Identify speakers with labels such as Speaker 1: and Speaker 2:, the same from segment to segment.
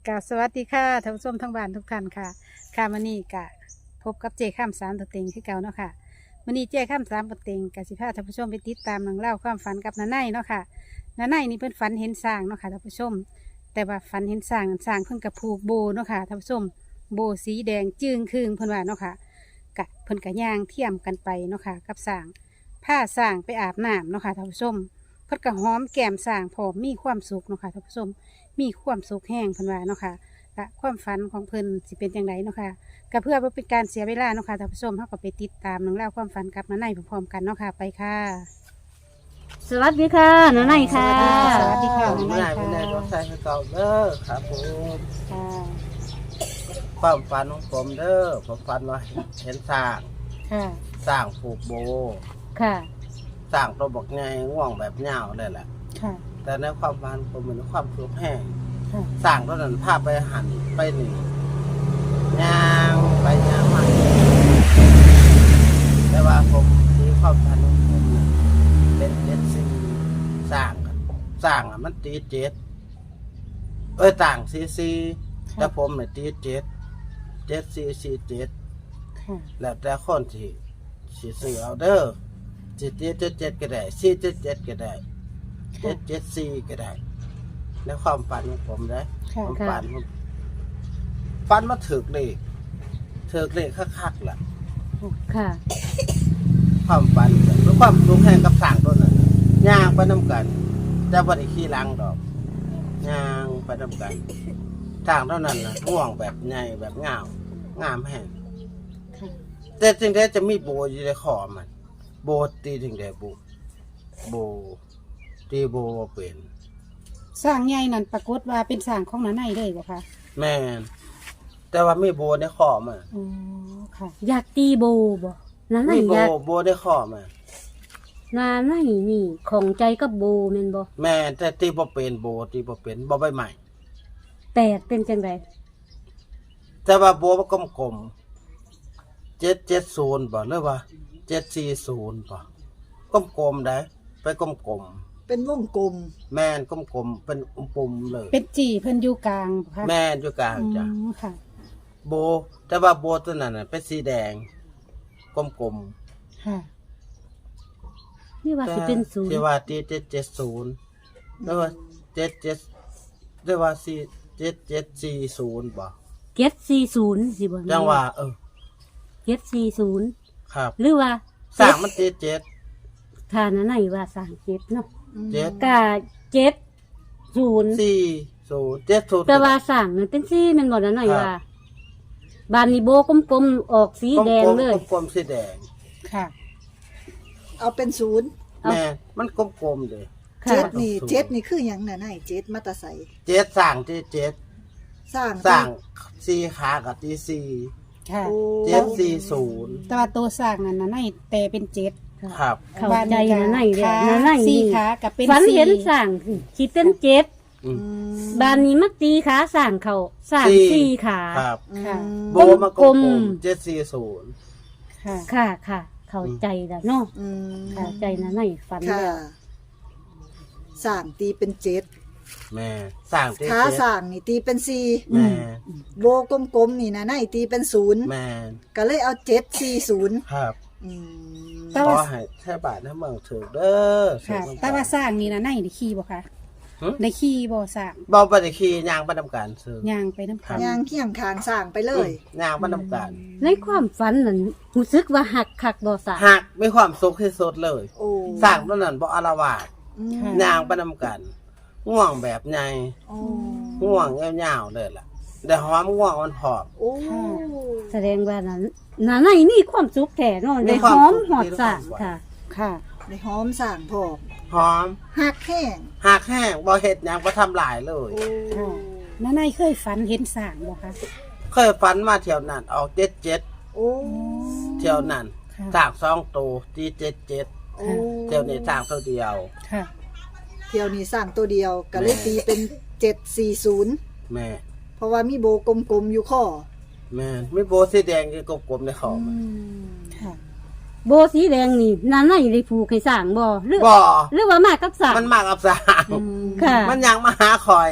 Speaker 1: กะสวัสดีค่ะท่านผู้ชมทั้งบ้านทุกท่านค่ะค่ะมื้อนี้กะพบกับเจ้ข้ามสามตัวเต็งคือเก่าเนาะค่ะมื้อนี้เจ้ข้ามสามตัวเต็งกะสิพาท่านผู้ชมไปติดตามเรื่องเล่าวความฝันกับน้าไนเนาะค่ะน้าไนนี่เพิ่นฝันเห็นสร้างเนาะค่ะท่านผู้ชมแต่ว่าฝันเห็นสร้างนั้นสร้างเพิ่นกะผูกโบเนาะค่ะท่านผู้ชมโบสีแดงจึ้งครึ่งเพิ่นว่าเนาะค่ะกะเพิ่นกะย่างเทียมกันไปเนาะค่ะกับสร้างผ้าสร้างไปอาบน้ำเนาะค่ะท่านผู้ชมเพิ่นกะหอมแก้มสร้างพร้อมมีความสุขเนาะค่ะท่านผู้ชมมีความสุขแห้งเพิ่นว่าเนาะค่ะ และความฝันของเพิ่นสิเป็นอย่างไรเนาะค่ะก็เพื่อบ่เป็นการเสียเวลาเนาะค่ะท่านผู้ชมเฮาก็ไปติดตามเรื่องราวความฝันกับน้าไนพร้อมๆกันเนาะค่ะไปค่ะ
Speaker 2: สวัสดีค่ะน้าไนค่ะ
Speaker 1: สวัสดีค่ะ
Speaker 3: ไม่ได้ไม่ได้รถไฟเก่าเด้อครับผม
Speaker 1: ค่ะ
Speaker 3: ความฝันของผมเด้อผมฝันว่าเห็นสร้าง
Speaker 1: ค่ะ
Speaker 3: สร้างผูกโบ
Speaker 2: ค่ะ
Speaker 3: สร้างตัวบอกไงง่วงแบบเงาเลยแหละ
Speaker 1: ค่ะ
Speaker 3: แต่ในความฝันผมเหมือนความสุขแห้ง
Speaker 1: ค่ะ
Speaker 3: สร้างตัวนั้นพาไปหันไปหนีย่างไปย่างมาแต่ว่าผมที่ความฝันของผมน่ะเป็นเจ็ดสี่สร้างกันสร้างอ่ะมันตีเจ็ดต่างซีซีแต่ผมเนี่ยตีเจ็ดเจ็ดซีซีเจ็ด
Speaker 1: ค่ะ
Speaker 3: แล้วแต่คนที่สิซื้อเอาเด้อสิเจ็ดเจ็ดก็ได้สี่เจ็ดเจ็ดก็ได้เจ็ดเจ็ดสี่ก็ได้ในความฝันของผมนะ
Speaker 1: ค่ะ
Speaker 3: ผมฝันมาถึกเลขคักๆล่ะ
Speaker 2: ค่ะ
Speaker 3: ความฝันหรือความสูงแห่งกับสร้างตัวนั้นย่างไปน้ำกันแต่บ่ได้ขี่หลังดอกย่างไปน้ำกันสร้างเท่านั้นนะห่วงแบบใหญ่แบบงามแห้ง
Speaker 1: ค่ะ
Speaker 3: แต่จริงๆจะมีโบอยู่ในคอมัน โบตีถึงได้โบตีโบบ่เป็น
Speaker 1: สร้างใหญ่นั่นปรากฏว่าเป็นสร้างของน้าไนเลยบ่คะ
Speaker 3: แม่นแต่ว่ามีโบในคอมัน
Speaker 1: อ๋อค่ะ
Speaker 2: อยากตีโบบ่น้าไน
Speaker 3: มีโบ
Speaker 2: อยาก
Speaker 3: โบในคอมัน
Speaker 2: น้าไนนี่ของใจกับโบแม่นบ่
Speaker 3: แม่นแต่ตีบ่เป็นโบตีบ่เป็นบ่ใบใหม่
Speaker 2: แปดเป็นจังได
Speaker 3: แต่ว่าโบมันกลมๆ770บ่หรือว่า740บ่กลมๆได้ไปกลม
Speaker 4: เป็นวงกลม
Speaker 3: ๆแม่นกลมๆเป็นปุ่มๆเลย
Speaker 1: เป็นจีเพิ่นอยู่กลางบ่คะ
Speaker 3: แม่นอยู่กลางจ้ะ
Speaker 1: อืมค่ะ
Speaker 3: โบแต่ว่าโบตัวนั้นน่ะเป็นสีแดงกลมๆ
Speaker 1: ค่ะ
Speaker 2: นี่ว่าสิเป็นศูนย์
Speaker 3: ที่ว่า770แล้วว่า77ได้ว่า7740บ่
Speaker 2: 740สิบ่
Speaker 3: จังว่า
Speaker 2: 740
Speaker 3: ครับ
Speaker 2: หรือว่า
Speaker 3: สร้างมัน77
Speaker 2: ถ้าน้าไนว่าสร้างเจ็ดเนาะ
Speaker 3: 7
Speaker 2: ก็70
Speaker 3: 40 70
Speaker 2: แต่ว่าสร้างนั่นเป็นสีแม่นบ่น้าไนว่าบ้านนี้โบกลมๆออกสีแดงเลย
Speaker 3: กลมๆสีแดง
Speaker 1: ค่ะ
Speaker 4: เอาเป็นศูนย์
Speaker 2: เอา
Speaker 3: แม่มันกลมๆเลย
Speaker 2: ค่ะ
Speaker 4: เจ็ดนี่เจ็ดนี่คืออย่างน่ะนายเจ็ดมาตาใส
Speaker 3: 7สร้าง77
Speaker 4: สร้าง
Speaker 3: สร้าง4ขากับตี4
Speaker 1: ค่ะ
Speaker 4: โอ้
Speaker 3: 740
Speaker 1: แต่ว่าตัวสร้างนั่นน้าไนแต่เป็นเจ็ด
Speaker 3: ครับ
Speaker 2: เข้าใจน้าไนเด้อ
Speaker 1: ขา
Speaker 2: น้าไน
Speaker 1: สี่
Speaker 2: นี่
Speaker 1: ขากับเป็น
Speaker 2: ฝัน
Speaker 1: สี่
Speaker 2: เห็นสร้างคิดเป็นเจ็ด
Speaker 3: อืม
Speaker 2: บ้านนี้มักตีขาสร้างเขาสร้าง
Speaker 3: สี่
Speaker 2: สี่ขา
Speaker 3: ครับ
Speaker 1: ค่ะ
Speaker 3: โบมันกลมๆ740
Speaker 1: ค่ะ
Speaker 2: ค่ะค่ะ เข้าใจแล้วเนาะ
Speaker 4: อืม
Speaker 2: เข้าใจนะในฝัน
Speaker 4: ค่ะ
Speaker 2: แล้ว
Speaker 4: สร้างตีเป็นเจ็ด
Speaker 3: แม่สร้าง
Speaker 4: ขา
Speaker 3: เจ็ด
Speaker 4: สร้างนี่ตีเป็นสี่
Speaker 3: แม่
Speaker 4: โบกลมๆนี่นะนายตีเป็นศูนย์
Speaker 3: แม่
Speaker 4: ก็เลยเอา740
Speaker 3: ครับ
Speaker 4: อืม
Speaker 1: แต่
Speaker 3: ข
Speaker 1: ว่า
Speaker 3: อให้แท่บาทน้ำเมืองถือเด้อ
Speaker 1: ค่ะ แต่ว่าสร้างนี่นะไนได้ขี่บ่คะได้ขี่บ่สร้าง
Speaker 3: เบาไปได้ขี่ยางไปทำการซื้อย่าง
Speaker 1: ไปน้ำพัน
Speaker 4: ย่างเคียงคางสร้างไปเลย
Speaker 3: ยางไปทำการ
Speaker 2: ในความฝันนั้นรู้สึกว่าหักคักบ่สา
Speaker 3: หักมีความสุขที่สุดเลย
Speaker 4: โอ้
Speaker 3: สร้างตัวนั้นบ่อารวาส
Speaker 4: อืม
Speaker 3: ยางไปทำการง่วงแบบไง
Speaker 4: โอ้
Speaker 3: ง่วงยาวๆเลยล่ะแต่หอมง่วงมันพอบ
Speaker 4: โอ้
Speaker 2: แสดงว่านั้นน่ะในมีความสุขแท้เนาะได้หอมหอดสร้างค่ะ
Speaker 1: ค่ะ
Speaker 4: ในหอมสร้างพอก
Speaker 3: หอม
Speaker 4: หักแห้ง
Speaker 3: หักแห้งบ่เฮ็ดหยังบ่ทำลายเลย
Speaker 4: โอ้
Speaker 1: ค่ะ น้าไนเคยฝันเห็นสร้างบ่คะ
Speaker 3: เคยฝันมาเที่ยวนั้นออก77
Speaker 4: โอ้
Speaker 3: เที่ยวนั้น
Speaker 1: ค่ะ
Speaker 3: สร้าง2ตัวที่77
Speaker 4: โอ้
Speaker 3: เที่ยวนี้สร้างตัวเดียว
Speaker 1: ค่ะ
Speaker 4: เที่ยวนี้สร้างตัวเดียวก็เลยตีเป็น740
Speaker 3: แม่
Speaker 4: เพราะว่ามีโบกลมๆอยู่ข้อ
Speaker 3: แม่นมีโบสีแดงอยู่กลมๆในคอมัน
Speaker 1: ค่ะ
Speaker 2: โบสีแดงนี่น่ะในได้ผูกให้สร้างบ่หรือ
Speaker 3: บ่
Speaker 2: หรือว่ามากับสร้าง
Speaker 3: มันมากับสร้าง
Speaker 1: อืม
Speaker 2: ค่ะ
Speaker 3: มันยังมาหาคอย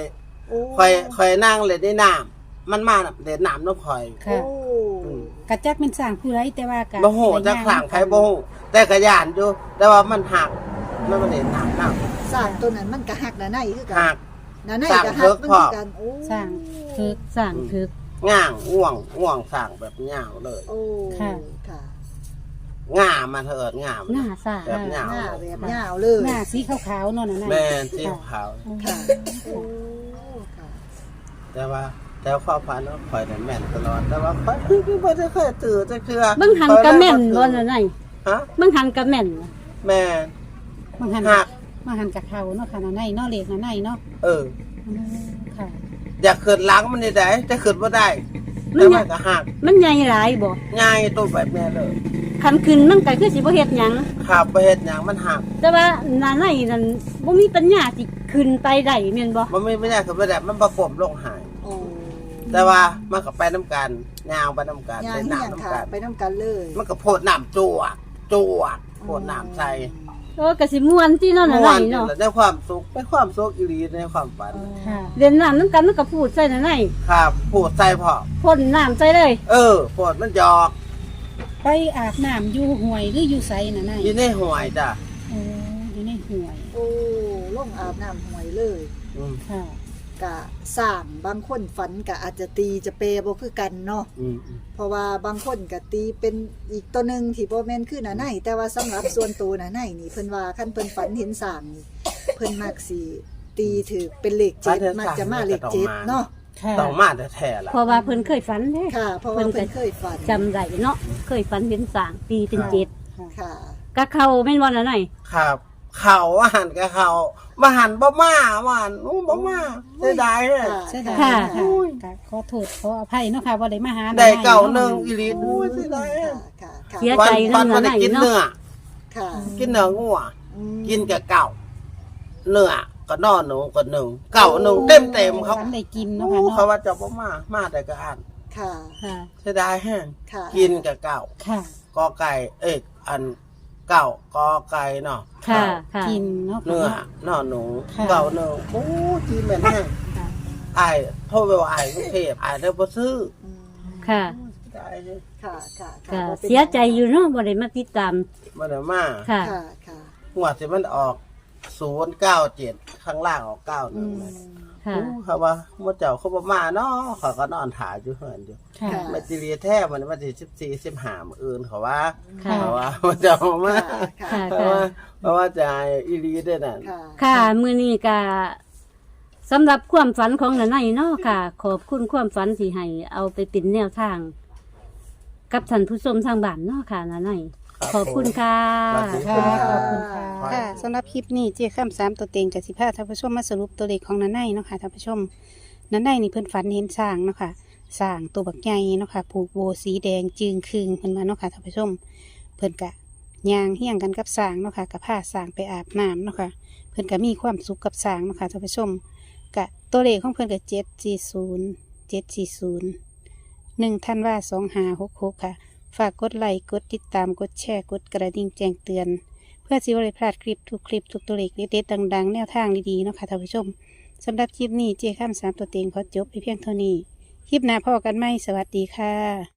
Speaker 4: โอ้
Speaker 3: คอยนั่งเล่นในน้ำมันมาเล่นน้ำน้ำคอย
Speaker 1: ค่ะ
Speaker 4: โอ้
Speaker 1: กระจักเป็นสร้างผู้ไรแต่ว่ากะ
Speaker 3: บ่ฮู้จักสร้างไผบ่ฮู้แต่ก็ย่านอยู่แต่ว่ามันหักมันบ่เล่นน้ำน้
Speaker 4: สร้างตัวนั้นมันก็หักหน้าในคือ
Speaker 3: ำ
Speaker 4: กั
Speaker 3: หั
Speaker 4: น
Speaker 3: ก
Speaker 4: หน้าใน
Speaker 3: สร้าง
Speaker 4: ก็หักมัน
Speaker 3: เพิกพอ
Speaker 4: คือกันโอ้
Speaker 1: สร้างคือ
Speaker 2: สร้างถึก
Speaker 3: ง่างง่วงสร้างแบบง่าวเลย
Speaker 4: โอ้
Speaker 1: ค่ะ
Speaker 4: ค่ะ
Speaker 3: ง่ามาเถิดง่าม
Speaker 2: หน้าสร้าง
Speaker 3: แบบง่าว
Speaker 4: หน้าแบบยาวเลย
Speaker 1: หน้าสีขาวๆเนาะน่ะ
Speaker 3: แม่นสีขาว
Speaker 4: ค่ะโอ้ค่ะ
Speaker 3: แต่ว่าความฝันของข่อยนั้นแม่นตลอดแต่ว่าข่อยคือบ่ได้เคยตื่นจักเทื่อ
Speaker 2: เบิ่งหันกะแม่นบ่นั่นน่ะ
Speaker 3: ฮะ
Speaker 2: เบิ่งหันกะแม่น
Speaker 3: แม่น
Speaker 1: บางหัน
Speaker 3: หัก
Speaker 1: บางหันกับเขาเนาะค่ะน่ะในเนาะเลขน่ะในเนาะ
Speaker 3: เออ
Speaker 1: ค่ะ
Speaker 3: อยากขึ้นหลังมันนี่ได้แต่ขึ้นบ่ได้
Speaker 2: มั
Speaker 3: แต่
Speaker 2: น
Speaker 3: มันก็หัก
Speaker 2: มันใหญ่หลายบ่
Speaker 3: ง่ายตัวแบบแม่เลย
Speaker 2: คันขึ้นมันก็คือสิบ่เฮ็ดหยัง
Speaker 3: ขับไปเฮ็ดหยังมันหัก
Speaker 2: แต่ว่าหน้าในนั่นบ่มีปัญญาสิขึ้นไปได้แม่นบ่
Speaker 3: มันไม่ได้ขึ้นบ่ได้มันประกบลงหาย
Speaker 4: โอ้
Speaker 3: แต่ว่ามันก็ไปน้ำกันยาวไปน้ำกัน
Speaker 4: ยาง
Speaker 3: เล่น
Speaker 4: เฮียง
Speaker 3: น้ำน้ำ
Speaker 4: ค่ะ
Speaker 3: กัน
Speaker 4: ไปน้ำกันเลย
Speaker 3: มันก็โพดน้ำจวกโพดน้ำใส่
Speaker 2: โอ้ก็สิม่วนที่เนาะหน้าในเนาะ
Speaker 3: ได้ความสุขได้ความสุขอีหลีในความฝัน
Speaker 1: ค่ะ
Speaker 2: เล่นน้ำนำกันมันก็พูดใส่หน้าใน
Speaker 3: ครับพูดใส่พอ
Speaker 2: พ่นน้ำใส่เลย
Speaker 3: โพดมันหยอก
Speaker 1: ไปอาบน้ำอยู่ห้วยหรืออยู่ไสน่ะใน
Speaker 3: อยู่ในห่วยจ้ะ
Speaker 1: โอ้อยู่ในห้วย
Speaker 4: โอ้ลงอาบน้ำห่วยเลย
Speaker 3: อืม
Speaker 1: ค่ะ
Speaker 4: กะสร้างบางคนฝันกะอาจจะตีจะเปบ่คือกันเนาะ
Speaker 3: อืม
Speaker 4: เพราะว่าบางคนกะตีเป็นอีกตัวหนึงที่บ่แม่นคือหน้าในแต่ว่าสำหรับส่วนตัวหน้าในนี่เพิ่นว่าคันเพิ่นฝันเห็นสร้างนี่เพิ่นมักสิตีถือเป็นเลข7มักจะมาเลข7เนาะ
Speaker 1: ค่ะ
Speaker 3: ต้องมาแต่แท้ๆล่ะ
Speaker 2: เพราะว่าเพิ่นเคยฝันเด้
Speaker 4: ค่ะ เพราะว่าเพิ่นเคยฝัน
Speaker 2: จำได้เนาะเคยฝันเห็นสร้างปีเป็นเจ็ด
Speaker 4: ค่ะ
Speaker 2: กะเข้าแม่นบ่นั่นน่ะ
Speaker 3: ครับเขาว่าหันกับเขามาหันบ่มาว่าหันบ่มาเสียดายเลย
Speaker 1: เสียดาย
Speaker 2: ค่ะ
Speaker 1: ค่ะค่ะขอโทษขออภัยเนาะค่ะว่าได้มาหา
Speaker 3: ได้เก่า
Speaker 1: ะ
Speaker 3: หนึ่งอีหลีโอ้ยเสียดาย
Speaker 4: ค่ะค่ะ
Speaker 2: เสีย
Speaker 3: วัน
Speaker 2: ใจ
Speaker 3: วัน
Speaker 2: นั่
Speaker 3: มัน
Speaker 2: น
Speaker 3: ได้
Speaker 2: น่ะ
Speaker 3: กิน
Speaker 2: เนาะ
Speaker 3: เนื้อ
Speaker 4: ค่ะ
Speaker 3: กินเนื้องัว
Speaker 4: อืม
Speaker 3: กินกับเก่าเนื้อก็นอนหนูก็หนึ่งเก่าหนึ่งเต็มเขา
Speaker 1: ฝันได้กิน
Speaker 3: โอ้
Speaker 1: เนาะค่ะ
Speaker 3: เขา
Speaker 1: เนาะ
Speaker 3: ว่าจะบ่มาแต่ก็อ่าน
Speaker 4: ค่ะ
Speaker 2: ค่ะ
Speaker 3: เสียดายแห้ง
Speaker 4: ค่ะ
Speaker 3: กินกับเก่า
Speaker 1: ค่ะ
Speaker 3: กอไก่อันเก่ากอไก่เนาะ
Speaker 2: ค่ะค่ะ
Speaker 1: กินเนาะ
Speaker 3: เนื้อ
Speaker 1: ค่ะ
Speaker 3: นอนหนู
Speaker 1: ค่ะ
Speaker 3: เก่าหนึ่งโอ้จีแม่นแห้ง
Speaker 1: ค่ะ
Speaker 3: อายโทษไปว่าอายกรุงเทพอายได้บ่ซื้อ
Speaker 4: อืม
Speaker 2: ค่ะ
Speaker 3: เสียดายเลย
Speaker 4: ค่ะค่ะ
Speaker 2: ค่ะ
Speaker 4: บ่ป็น
Speaker 2: เสียใจอยู่เนาะบ่ได้มาติดตาม
Speaker 3: บ่ได้มา
Speaker 2: ค่ะ
Speaker 4: ค่ะค่ะ
Speaker 3: หัวดที่มันออก097ข้างล่างออก
Speaker 4: อืม
Speaker 3: 91
Speaker 2: ค่ะ
Speaker 3: เขาว่าหมดเจ้าเขาบ่มาเนาะเขาก็นอนถ่ายอยู่เฮือนอยู่
Speaker 1: ค่ะ
Speaker 3: แม่ติเรียแท้มันวันที่14 15มื้ออื่นเขาว่า
Speaker 2: ค่ะ
Speaker 3: เขาว่าหมดเจ้าบ่มา
Speaker 4: ค่ะ
Speaker 2: ค่ะ
Speaker 3: เพราะว่าจะให้อีหลีได้นั่น
Speaker 4: ค่ะ
Speaker 2: ค่ะมื้อนี้ก็สำหรับความฝันของน้าในเนาะค่ะ ขอบคุณความฝันที่ให้เอาไปเป็นแนวทาง กับท่านผู้ชมทางบ้านเนาะค่ะน้าในขอบคุณค่ะ
Speaker 1: ค่ะขอบคุณค่ะค่ะสำหรับคลิปนี้เจ๊ข้าม3ตัวเต็งกับ15ท่านผู้ชมมาสรุปตัวเลขของนันไนเนาะค่ะท่านผู้ชมนันไนนี่เพิ่นฝันเห็นช้างเนาะค่ะช้างตัวบักใหญ่เนาะค่ะผูกโบสีแดงจึงคืงเพิ่นมาเนาะค่ะท่านผู้ชม เพิ่นกะย่างเฮี้ยงกันกับช้างเนาะค่ะกับพาช้างไปอาบน้ำเนาะค่ะเพิ่นก็มีความสุขกับช้างเนาะค่ะท่านผู้ชมกะตัวเลขของเพิ่นก็740 ธันวา2566ค่ะ ฝากกดไลค์กดติดตามกดแชร์กดกระดิ่งแจ้งเตือน เพื่อสิบริพลาดคลิปทุกตัวเลขเด็ดๆดังๆ แนวทางดีๆเนาะค่ะท่านผู้ชมสำหรับคลิปนี้เจ้าข้าม3ตัวเต็งขอจบไปเพียงเท่านี้ คลิปหน้าพ่อกันไหมสวัสดีค่ะ